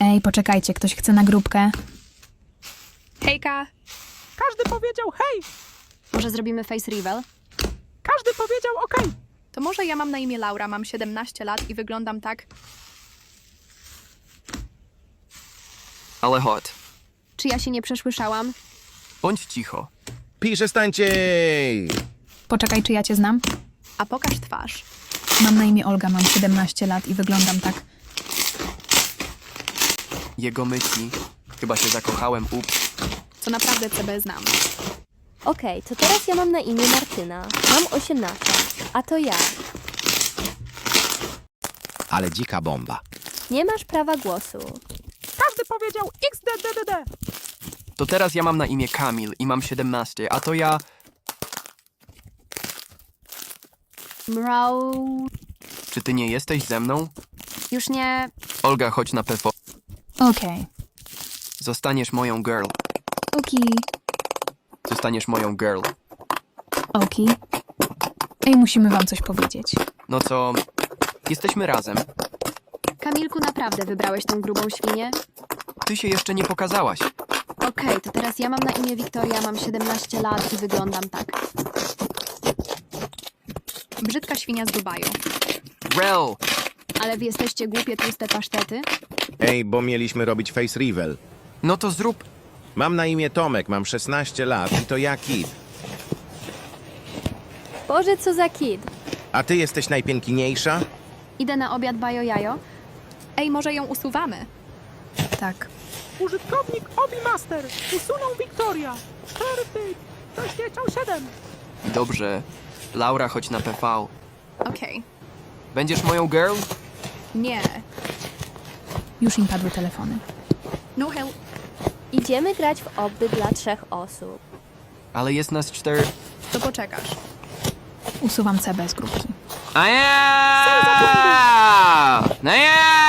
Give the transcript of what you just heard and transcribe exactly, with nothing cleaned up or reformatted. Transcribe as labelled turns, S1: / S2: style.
S1: Ej, poczekajcie, ktoś chce na grupkę?
S2: Hejka!
S3: Każdy powiedział hej!
S2: Może zrobimy face reveal?
S3: Każdy powiedział okej!
S2: To może ja mam na imię Laura, mam siedemnaście lat i wyglądam tak...
S4: Ale hot.
S2: Czy ja się nie przesłyszałam?
S4: Bądź cicho.
S5: Przestańcie!
S1: Poczekaj, czy ja cię znam?
S2: A pokaż twarz.
S1: Mam na imię Olga, mam siedemnaście lat i wyglądam tak.
S4: Jego myśli. Chyba się zakochałem, ups.
S2: Co naprawdę C B znam.
S6: Okej, to teraz ja mam na imię Martyna. Mam osiemnaście, a to ja.
S5: Ale dzika bomba.
S6: Nie masz prawa głosu.
S3: Każdy powiedział X D D D D!
S4: To teraz ja mam na imię Kamil i mam siedemnaście, a to ja...
S2: Mrał...
S4: Czy ty nie jesteś ze mną?
S2: Już nie...
S4: Olga, chodź na P V.
S1: Okej.
S4: Zostaniesz moją girl.
S1: Oki.
S4: Zostaniesz moją girl.
S1: Oki. Ej, musimy wam coś powiedzieć.
S4: No co... Jesteśmy razem.
S2: Kamilku, naprawdę wybrałeś tą grubą świnię?
S4: Ty się jeszcze nie pokazałaś.
S2: Okej, to teraz ja mam na imię Wiktoria, mam siedemnaście lat i wyglądam tak. Brzydka świnia z Dubaju.
S4: Rel!
S2: Ale wy jesteście głupie, tłuste pasztety?
S5: Ej, bo mieliśmy robić face reveal.
S4: No to zrób...
S5: Mam na imię Tomek, mam szesnaście lat i to ja Kid.
S6: Boże, co za kid.
S5: A ty jesteś najpiękniejsza?
S2: Idę na obiad bajo jajo. Ej, może ją usuwamy?
S1: Tak.
S3: Użytkownik Obi Master usunął Wiktoria! Perfect! Ktoś nie chciał siedem!
S4: Dobrze. Laura, chodź na P V.
S2: Okej.
S4: Będziesz moją girl?
S2: Nie.
S1: Już im padły telefony.
S2: No hell.
S6: Idziemy grać w obby dla trzech osób.
S4: Ale jest nas cztery...
S2: To poczekasz.
S1: Usuwam C B z grupki.
S4: A ja! No ja!